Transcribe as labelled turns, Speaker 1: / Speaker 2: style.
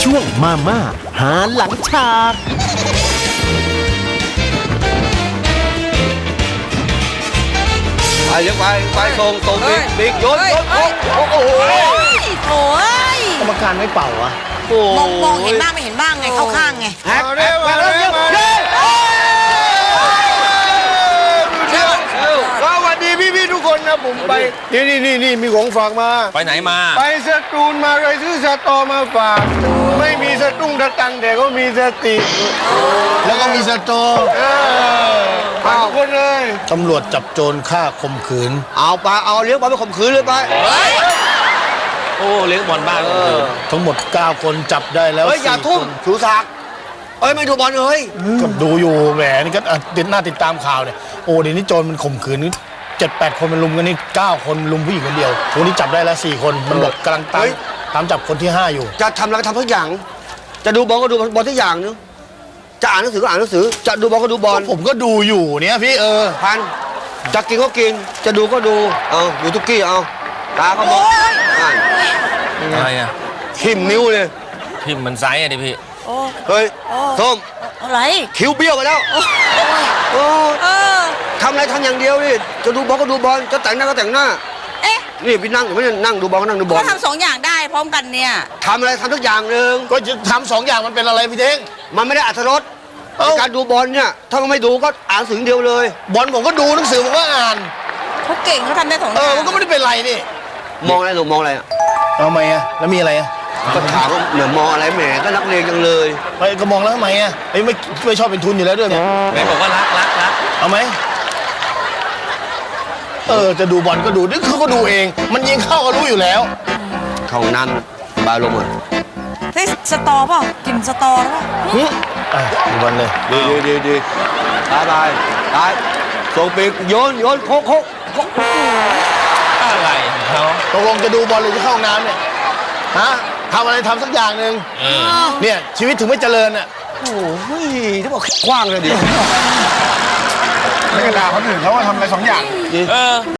Speaker 1: ช่วงมาม่าหาหลังฉาก
Speaker 2: ไปยังไปส่งบิ๊กโยนโอ้โห
Speaker 3: โอ้ย
Speaker 1: กรรมการไม่เป่าอะ
Speaker 3: มองเห็นบ้างไม่เห็นบ้างไงเข้าข้างไง
Speaker 2: แฮกมาแล้ว
Speaker 4: สวัสดีพี่ทุกคนนะผมไปนี่มีของฝากมา
Speaker 5: ไปไหนมา
Speaker 4: ไปสตูลมาเลยซื้อสตอมาฝาก ไม่มีสตุ้งสตังแต่ก็มีสติ
Speaker 1: แล้วก็มีสตอ
Speaker 4: ฝากทุกคนเลย
Speaker 1: ตำรวจจับโจรฆ่าข่มขืน
Speaker 2: เอาเลี้ยงบอลไปข่มขืนเลยไป
Speaker 5: โอ้เลี้ยงบอลบ้านก็คือ
Speaker 1: ทั้งหมด 9 คนจับได้แล้ว
Speaker 2: เฮ้ยอย่า
Speaker 1: 4
Speaker 2: ทุ่ม
Speaker 1: คน
Speaker 2: ชูศักดิ์ไม่ดูบอลเลย
Speaker 1: ก็ดูอยู่แหมนี่ก็ติดตามข่าวเนี่ยโอ้เดี๋ยวนี้โจรมันข่มขืน7-8 คนมันลุมกันนี่9 คนลุมผู้หญิงคนเดียววันนี้จับได้แล้ว4 คนมันบอกกำลังตามจับคนที่ 5 อยู่
Speaker 2: จะทำอะไรก็ทำทุกอย่างจะดูบอลก็ดูบอลทุกอย่างนึงจะอ่านหนังสือก็อ่านหนังสือจะดูบอลก็ดูบอล
Speaker 1: ผมก็ดูอยู่เนี่ยพี่
Speaker 2: พันจะกินก็กินจะดูก็ดูดูทุกกี้ตาก็มองอ่าน
Speaker 5: อะไรอ่ะ
Speaker 2: ทิ่มนิ้วเลย
Speaker 5: พิมพ์มันไซส์อะดิพี่
Speaker 2: เฮ้ยส้ม
Speaker 3: อะไร
Speaker 2: คิ้วเบี้ยวไปแล้วทำอะไรทำอย่างเดียวดิจะดูบอลก็ดูบอลจะแต่งหน้าก็แต่งหน้า
Speaker 3: เอ๊ะ
Speaker 2: นี่พี่นั่งอยู่ไม่ได้นั่งดูบอลก็นั่งดูบอล
Speaker 3: ก็ทำ2 อย่างได้พร้อมกันเนี่ย
Speaker 2: ทำอะไรทำทุกอย่างหนึ่ง
Speaker 1: ก็จะทำ2 อย่างมันเป็นอะไรพี่เท้ง
Speaker 2: มันไม่ได้อรรถรสในการดูบอลเนี่ยถ้ามันไม่ดูก็อ่านหนังสืออย่างเดียวเลย
Speaker 1: บอลผมก็ดูหนังสือผมก็อ่าน
Speaker 3: เขาเก่งเขาทำได้2 อย่าง
Speaker 1: มันก็ไม่ได้เป็นไรนี่
Speaker 2: มองอะไรหนูมองอะไรอ่ะ
Speaker 1: เอาไหมอะแล้วมีอะไรอะ
Speaker 2: ก็ถามว่าเหมือนมองอะไรแหมก็นักเรียนจังเลย
Speaker 1: ไม่ก็มองแล้วทำไมอะไม่ชอบเป็นทุนอยู่แล้วด้วยเนี่ย
Speaker 5: ไหนบอกว่ารัก
Speaker 1: เอาไหมจะดูบอลก็ดูนี่เขาก็ดูเอง มันยิงเข้าก็รู้อยู่แล้ว
Speaker 2: เข้าห้องน้ำบาลงอ่ะ
Speaker 3: เฮ้ยสตอเปล่ากินสตอหรือเปล่า
Speaker 1: ดูบอลเลย
Speaker 2: ดีตายส่งปีกโยนโคก
Speaker 5: อะไรของเขา
Speaker 1: ตกลงจะดูบอลหรือจะเข้าห้องน้ำเนี่ยฮะทำอะไรทำสักอย่างหนึ่งเนี่ยชีวิตถึงไม่เจริญอ่ะ
Speaker 2: โอ้ยที่บอกกว้างเลยดิ
Speaker 4: ไม่กระดาคนอื่นเขาว่าทำอะไร2 อย่าง